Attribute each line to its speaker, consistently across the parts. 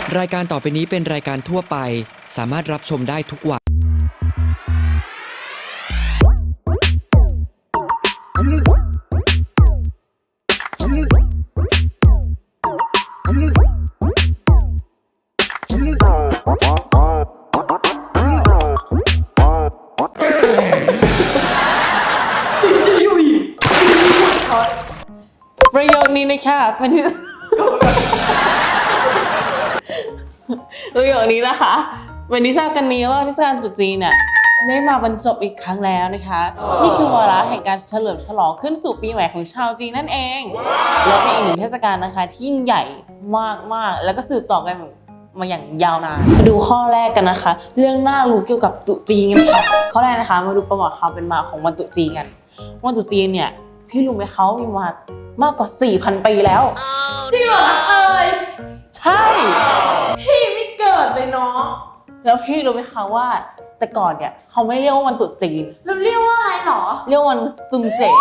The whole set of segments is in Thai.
Speaker 1: รายการต่อไปนี้เป็นรายการทั่วไปสามารถรับชมได้ทุกวัย
Speaker 2: ประโยคนี้นะคะเป็นประโยคนี้นะคะเป็นที่ทราบกันนี้ว่าเทศกาลตรุษจีนเนี่ยได้มาบรรจบอีกครั้งแล้วนะคะนี่คือวาระแห่งการเฉลิมฉลองขึ้นสู่ปีใหม่ของชาวจีนนั่นเองและเป็นอีกหนึ่งเทศกาลนะคะที่ยิ่งใหญ่มากๆแล้วก็สืบต่อกันมาอย่างยาวนานมาดูข้อแรกกันนะคะ เรื่องน่ารู้เกี่ยวกับตรุษจีนกันค่ะข้อแรกนะคะมาดูประวัติความเป็นมาของวันตรุษจีนกันวันตรุษจีนเนี่ยพี่รู้ไหมเขามีมามากกว่า 4,000 ปีแล้ว
Speaker 3: จริงเหรอเอ่ย
Speaker 2: ใช่
Speaker 3: พี่ไม่เกิดเลยเนาะ
Speaker 2: แล้วพี่รู้ไหมคะว่าแต่ก่อนเนี่ยเขาไม่เรียกว่าวันตรุษจีน
Speaker 3: แล้วเรียกว่าอะไรหรอ
Speaker 2: เรียกวันซุงเจ๋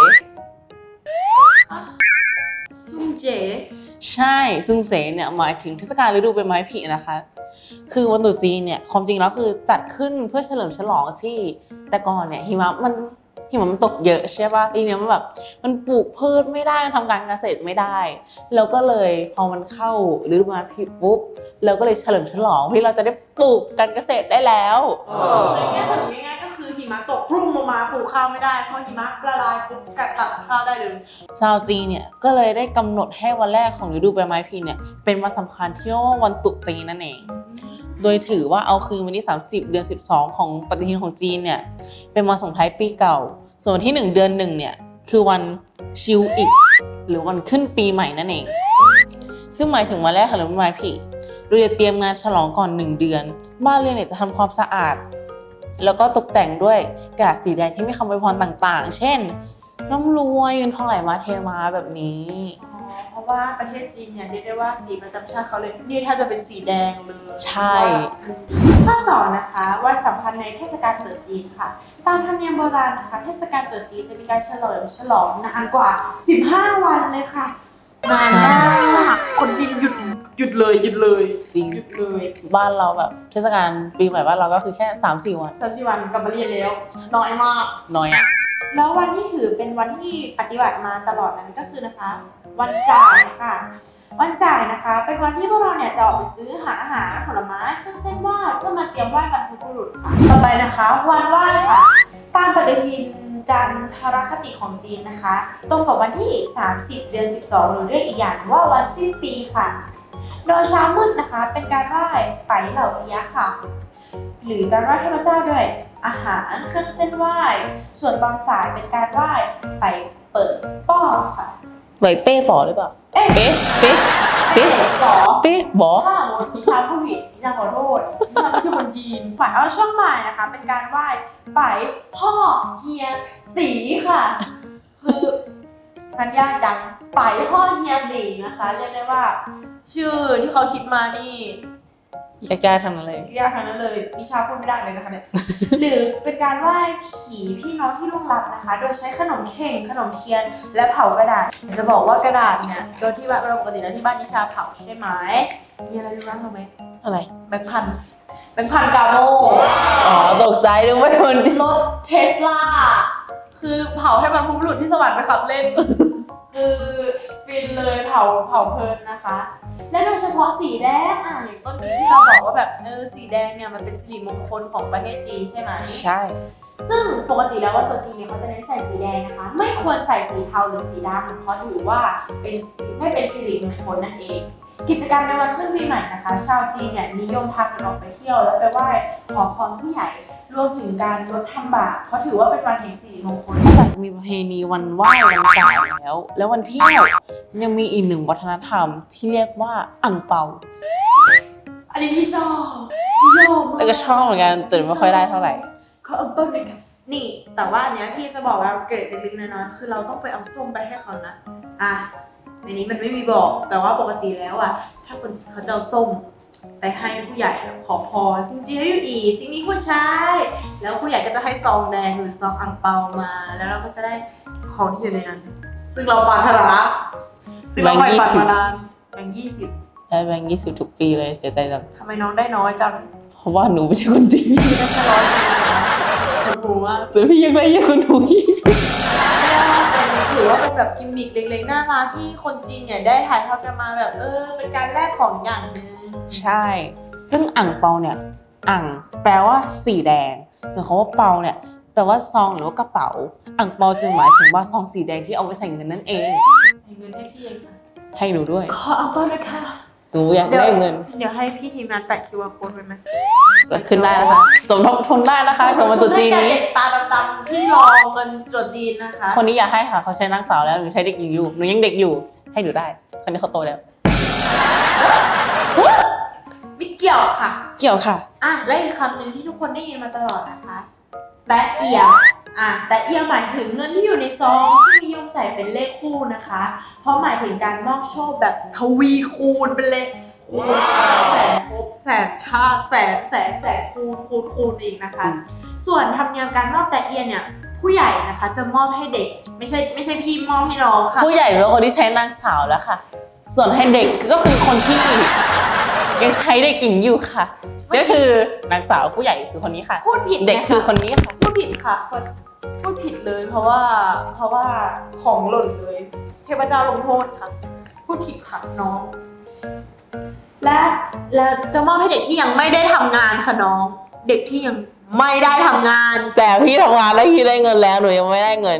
Speaker 3: ซุงเจ๋
Speaker 2: ใช่ซุงเจ๋เนี่ยหมายถึงเทศกาลฤดูใบไม้ผลินะคะคือวันตรุษจีนเนี่ยความจริงแล้วคือจัดขึ้นเพื่อเฉลิมฉลองที่แต่ก่อนเนี่ยหิมะมันตกเยอะใช่ป่ะทีนี้มันแบบมันปลูกพืชไม่ได้ทำการเกษตรไม่ได้แล้วก็เลยพอมันเข้าฤดูใบไม้ผลิปุ๊บเราก็เลยเฉลิมฉลองที่เราจะได้ปลูกการเกษตรได้แล้ว
Speaker 3: ง่ายๆง่ายๆก็คือหิมะตกพรุ่งลงมาปลูกข้าวไม่ได้พอหิมะละลายปุ๊บกัดตัดข้าวได้เลย
Speaker 2: ชาวจีนเนี่ยก็เลยได้กำหนดให้วันแรกของฤดูใบไม้ผลิเนี่ยเป็นวันสำคัญที่เรียกว่าวันตรุษจีนนั่นเองโดยถือว่าเอาคืนวันที่30 เดือน 12ของปฏิทินของจีนเนี่ยเป็นวันส่งท้ายปีเก่าส่วนที่1 เดือน 1เนี่ยคือวันชิวอิกหรือวันขึ้นปีใหม่นั่นเองซึ่งหมายถึงวันแรกของฤดูใบไม้ผลิเราจะเตรียมงานฉลองก่อน1 เดือนบ้านเรือนเนี่ยจะทำความสะอาดแล้วก็ตกแต่งด้วยกระดาษสีแดงที่มีคำอวยพรต่างๆเช่นร่ำรวยเงินทองไหลมาเทมาแบบนี้
Speaker 3: เพราะว่าประเทศจีนเนี่ยเรียกได้ว่าสีประจำชาติเขาเลยนี่ถ้าจะเป็นสีแดงเลย
Speaker 2: ใช่
Speaker 3: ข้อ2นะคะวันสำคัญในเทศกาลตรุษจีนค่ะตามธรรมเนียมโบราณนะคะเทศกาลตรุษจีนจะมีการเฉลิมฉลองนานกว่า15 วันเลยค่ะนานมากคนจีนหยุดเลย
Speaker 2: จริง
Speaker 3: หยุดเลย
Speaker 2: บ้านเราแบบเทศกาลปีใหม่บ้านเราก็คือแค่ 3-4 วัน
Speaker 3: 3-4 วันกลับมาเรียนแล้วน้อยมาก
Speaker 2: น้อยอ่ะ
Speaker 3: แล้ววันที่ถือเป็นวันที่ปฏิบัติมาตลอดนั้นก็คือนะคะวันจ่ายค่ะวันจ่ายนะคะเป็นวันที่พวกเราเนี่ยจะออกไปซื้อหาอาหารผลไม้เครื่องเส้นไหว้เพื่อมาเตรียมไหว้บรรพบุรุษค่ะต่อไปนะคะวันไหว้ค่ะตามปฏิทินจันทรคติของจีนนะคะตรงกับวันที่30 เดือน 12หรือเรียกอีกอย่างว่าวันสิ้นปีค่ะโดยเช้ามืดนะคะเป็นการไหว้ไต่เหล่าเอียะค่ะหรือการไหว้เทพเจ้าด้วยอาหารเครื่องเส้นไหว้ส่วนตอนสายเป็นการไหว้ไปเปิดป้อค่ะ
Speaker 2: ไหวเป้ป๋อหรือเปล่าเป๊ะ
Speaker 3: ป๋อ
Speaker 2: ถ้า
Speaker 3: ดิฉันผู้ผิดดิฉันขอโทษดิฉันไม่ใช่คนจีนฝ่ายเอาช่วงบ่ายนะคะเป็นการไหว้ไปพ่อเฮียตีค่ะคือมันยากจังไปพ่อเฮียตีนะคะเรียกได้ว่าชื่อที่เขาคิดมานี่
Speaker 2: ยากๆทั้งนั้นเลย
Speaker 3: ยากทั้งนั้นเลยนิชาพูดไม่ได้เลยนะคะเนี่ยหรือเป็นการไหว้ผีพี่น้องที่ล่วงลับนะคะโดยใช้ขนมเข่งขนมเทียนและเผากระดาษจะบอกว่ากระดาษเนี่ยโดยที่ว่าเราปกติแล้วที่บ้านนิชาเผาใช่ไหมมีอะไรรู้ไหม
Speaker 2: อะไร
Speaker 3: แบงค์พันกาโม
Speaker 2: อ๋อตกใจนึกว่าคน
Speaker 3: รถเทสลาคือเผาให้บรรพบุรุษที่สวรรค์ไปขับเล่นคือฟินเลยเผาเพลินนะคะและโดยเฉพาะสีแดงอย่างต้นที่เราบอกว่าแบบสีแดงเนี่ยมันเป็นสิริมงคลของประเทศจีนใช่ไหม
Speaker 2: ใช่
Speaker 3: ซึ่งปกติแล้วว่าตัวจีนเนี่ยเขาจะเน้นใส่สีแดงนะคะไม่ควรใส่สีเทาหรือสีดำเพราะถือว่าไม่เป็นสิริมงคลนั่นเองกิจกรรมในวันขึ้นปีใหม่นะคะชาวจีนเนี่ยนิยมพากันออกไปเที่ยวแล้วไปไหว้ขอพรผู้ใหญ่รวมถึงการลดทำบาปเพราะถือว่าเป็นวันแห่งสิริมงคล
Speaker 2: นอกจากมีประเพณีวันไหว้วันจ่ายแล้ววันเที่ยวยังมีอีกหนึ่งวัฒนธรรมที่เรียกว่าอั่งเปา
Speaker 3: อันนี้พี่ชอบ
Speaker 2: แล้วก็ชอบเหมือนกันแต่ไม่ค่อยได้เท่าไหร่
Speaker 3: เขาอั่งเปาเลยกันนี่แต่ว่าอันเนี้ยพี่จะบอกว่าเกรดเล็กๆน้อยๆคือเราต้องไปเอาส้มไปให้เขานะในนี้มันไม่มีบอกแต่ว่าปกติแล้วถ้าคนเขาจะเอาส้มไปให้ผู้ใหญ่ขอพรซิงจีให้อยู่อีสิ่งนี้ควรใช้แล้วผู้ใหญ่ก็จะให้ซองแดงหรือซองอั่งเปามาแล้วเราก็จะได้ของที่อยู่ในนั้นซึ่งเราปรารถนาซึ่งเราไปฝันมานานแบงค์20
Speaker 2: ได้แบงค์20ทุกปีเลยเสียใจจัง
Speaker 3: ทำไมน้องได้น้อยจัง
Speaker 2: เพราะว่าหนูไม่ใช่คนจีน
Speaker 3: ได้แค่ร้อยเดียวคนหูมาก
Speaker 2: แต่พี่ยังได้เยอะกว่าหนูอีก
Speaker 3: ถือว่าเป็นแบบกิมมิคเล็กๆน่ารักที่คนจีนเนี่ยได้ถ่ายทอดกันมาแบบเป็นการแลกของอย่างหนึง
Speaker 2: ใช่ ซึ่งอ่างเปาเนี่ยอ่างแปลว่าสีแดงส่วนคำว่าเปาเนี่ยแปลว่าซองหรือว่ากระเป๋าอ่างเปาจึงหมายถึงว่าซองสีแดงที่เอาไว้ใส่เงินนั่นเอง
Speaker 3: ใส่เงินให้พี่เองค่ะ
Speaker 2: ให้หนูด้วย
Speaker 3: ขอเอาต้นนะคะ
Speaker 2: หนูอยากได้เงิน
Speaker 3: เดี๋ยวให้พี่ทีมงานแปะ QR code ไว้ไหม
Speaker 2: ก็ขึ้นได้นะคะสมทบทุนได้นะคะสำหรับตัวจีนนี้
Speaker 3: เด็กตาดำๆที่รอเงินตรวจจีนนะคะ
Speaker 2: คนนี้อยากให้ค่ะเขาใช้นางสาวแล้วหนูใช้เด็กหญิงอยู่หนูยังเด็กอยู่ให้หนูได้คนนี้เขาโตแล้ว
Speaker 3: ไม่เกี่ยวค่ะ
Speaker 2: เกี่ยวค่ะ
Speaker 3: และอีกคำหนึ่งที่ทุกคนได้ยินมาตลอดนะคะแตะเอียแตะเอียหมายถึงเงินที่อยู่ในซองที่นิยมใส่เป็นเลขคู่นะคะ เพราะหมายถึงการมอบโชคแบบทวีคูณเป็นเลขคูณแสนภพแสนชาติแสนคูณอีกนะคะ ส่วนธรรมเนียมการมอบแตะเอียเนี่ยผู้ใหญ่นะคะจะมอบให้เด็กไม่ใช่พี่มอบให้น้องค่ะ
Speaker 2: ผู้ใหญ่เป็นคนที่ใช้นางสาวแล้วค่ะ ส่วนให้เด็กก็คือคนที่ยังใช้เด็กหญิงอยู่ค่ะก็คือนางสาวผู้ใหญ่คือคนนี้ค่ะ
Speaker 3: พูดผิด
Speaker 2: เด็กคือคนนี้ค่ะ
Speaker 3: พูดผิดค่ะพูดผิดเลยเพราะว่าของหล่นเลย เทพเจ้าลงโทษค่ะพูดผิดค่ะน้อง และจะมอบให้เด็กที่ยังไม่ได้ทำงานค่ะน้อง เด็กที่ยังไม่ได้ทำงาน
Speaker 2: แต่พี่ทำงานแล้วพี่ได้เงินแล้วหนูยังไม่ได้เงิน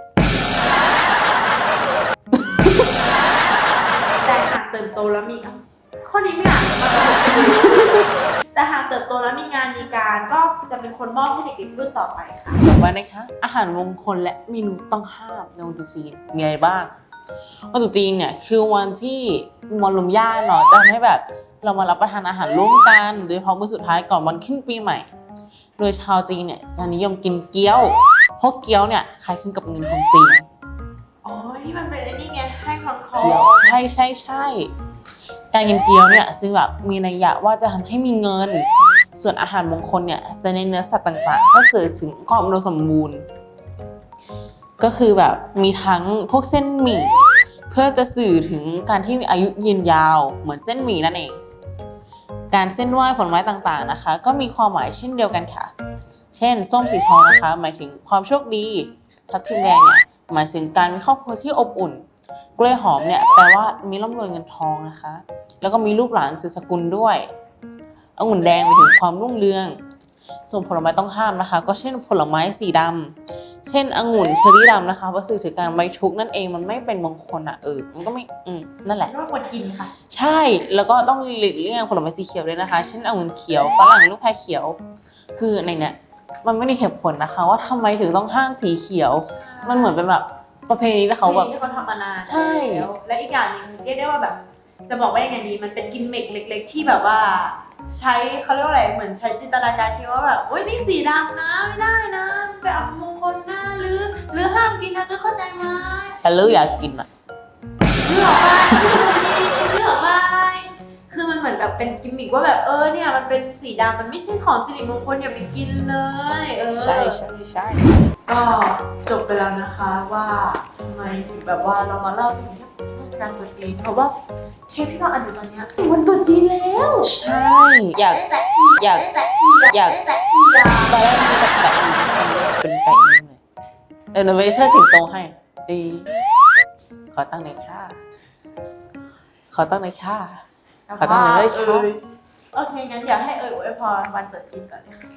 Speaker 3: แต่หากเติบโตแล้วมีข้อนี้ไม่อ่านมาตลอดแต่หากเติบโตแล้วมีงานมีการก็จะเป็นคนมอบให้เด็กๆรุ่นต่อไปค่ะ
Speaker 2: ต่อไปนะคะอาหารมงคลและเมนูต้องห้ามในวันตรุษจีนมีอะไรบ้างวันตรุษจีนเนี่ยคือวันที่มวลรวมญาติเนาะจะทำให้แบบเรามารับประทานอาหารร่วมกันโดยเฉพาะมื้อสุดท้ายก่อนวันขึ้นปีใหม่ โดยชาวจีนเนี่ยจะนิยมกินเกี๊ยวเพราะเกี๊ยวเนี่ยคล้ายคลึงกับเงินของจีน
Speaker 3: อ๋อที่มันเป็นไอ้นี่ไงให้คอนคอ
Speaker 2: เกี๊ยวใช่การกินเกี๊ยวเนี่ยจึงแบบมีนัยยะว่าจะทำให้มีเงิน ส่วนอาหารมงคลเนี่ยจะในเนื้อสัตว์ต่างๆเพื่อสื่อถึงความอุดมสมบูรณ์ ก็คือแบบมีทั้งพวกเส้นหมี่เพื่อจะสื่อถึงการที่มีอายุยืนยาวเหมือนเส้นหมี่นั่นเอง การเส้นไหว้ผลไม้ต่างๆนะคะ ก็มีความหมายเช่นเดียวกันค่ะ เช่นส้มสีทองนะคะหมายถึงความโชคดีทับทิมแดงเนี่ยหมายถึงการมีครอบครัวที่อบอุ่นกล้วยหอมเนี่ยแปลว่ามีร่ำรวยเงินทองนะคะแล้วก็มีลูกหลานสืบสกุลด้วยองุ่นแดงหมายถึงความรุ่งเรืองส่วนผลไม้ต้องห้ามนะคะ ก็เช่นผลไม้สีดำเช่นองุ่นเชอร์รี่ดำนะคะเพราะสื่อถึงการไว้ทุกข์นั่นเองมันไม่เป็นมงคลอ่ะมันก็ไม่นั่นแหละ
Speaker 3: ไม่ว่าควรกินค่ะ
Speaker 2: ใช่แล้วก็ต้องหลีกเลี่ยงผลไม้สีเขียวด้วยนะคะ เช่นองุ่นเขียวฝรั่งลูกแพรเขียวคือในเนี้ยมันไม่ได้เหตุผลนะคะ ว่าทำไมถึงต้องห้ามสีเขียว มันเหมือนเป็นแบบประเพณีที่เขาแบบ
Speaker 3: ที่เขาทำมานาน
Speaker 2: ใช่
Speaker 3: แล้วและอีกอย่างหนึ่งเรียกได้ว่าแบบ จะบอกว่ายังไงดีมันเป็นกิมมิคเล็ก ๆ ที่แบบว่า ใช้เขาเรียกว่าอะไรเหมือนใช้จินตนาการคิดว่าแบบโอ๊ยนี่สีดำนะไม่ได้นะไปอับมงคลนะหรือห้ามกินนะหรือเข้าใจไหม
Speaker 2: แต่ลืออยากกินอ่ะ
Speaker 3: เลือกไปเลือกไปคือมันเหมือนแบบเป็นกิมมิคว่าแบบเนี่ยมันเป็นสีดำมันไม่ใช่ของสิริมงคลอย่าไปกินเลย
Speaker 2: ใช่
Speaker 3: ก็จบไปแล้วนะคะว่าทำไมถึงแบบว่าเรามาเล่าถึงเทศกาลตรุษจีนเพราะว่าเทปที่เราอ่านอยู่ตอนเนี้ยวันตรุษจีนแล้ว
Speaker 2: ใช่อยาก
Speaker 3: แต่
Speaker 2: อยาก
Speaker 3: แต่
Speaker 2: ตอนแรกมีแต่แปะอินเป็นแปะอินเลยเราไม่เชิดถึงโตให้ดีขอตั้งในอยค่ะขอตั้งในอยค่ะ ขอตั้งเลย
Speaker 3: โอเคงั้นอยากให้อวยพรวันตรุษจีนก่อนเลยค่ะ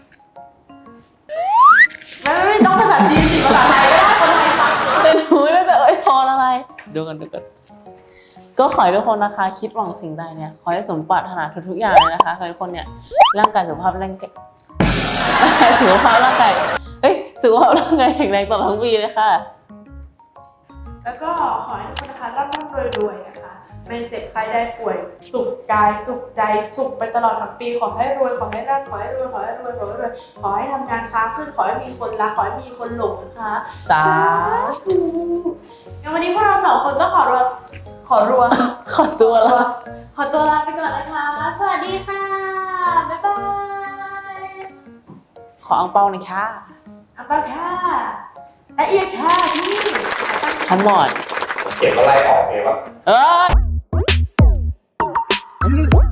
Speaker 3: ไม่ต้องภาษาจีนสิภาษาไทยก็ได้คนไทยฟัง
Speaker 2: แต่หนูน่าจะพออะไรดูกันก็ขอให้ทุกคนนะคะคิดหวังสิ่งใดเนี่ยขอให้สมปรารถนาทุกอย่างเลยนะคะขอให้ทุกคนเนี่ยร่างกายสุขภาพร่างกายสุขภาพร่างกายแข็งแรงตลอดทั้งปีเลยค่ะ
Speaker 3: แล้วก็ขอให้ทุกคนนะคะร่ำรวยนะคะไม่เจ็บใครได้ป่วยสุขกายสุขใจสุขไปตลอดทั้งปีขอให้รวยขอให้ร่ำขอให้รวยขอให้ทำงานค้าขึ้นขอให้มีคนรักขอให้มีคนหลงนะคะ
Speaker 2: สา
Speaker 3: ธุงั้นวันนี้พวกเราสองคนก็ขอตัว
Speaker 2: ขอตัวแล้ว
Speaker 3: ขอตัวลาไปก่อนนะคะสวัสดีค่ะบ๊ายบาย
Speaker 2: ขออังเปาหน่อยค่ะ
Speaker 3: อัปปะค่ะละเอียดค่ะที่นี่
Speaker 2: คันหมอน
Speaker 4: เก็บอะไรออกเองวะ
Speaker 2: เอ้ย
Speaker 3: ค่ะ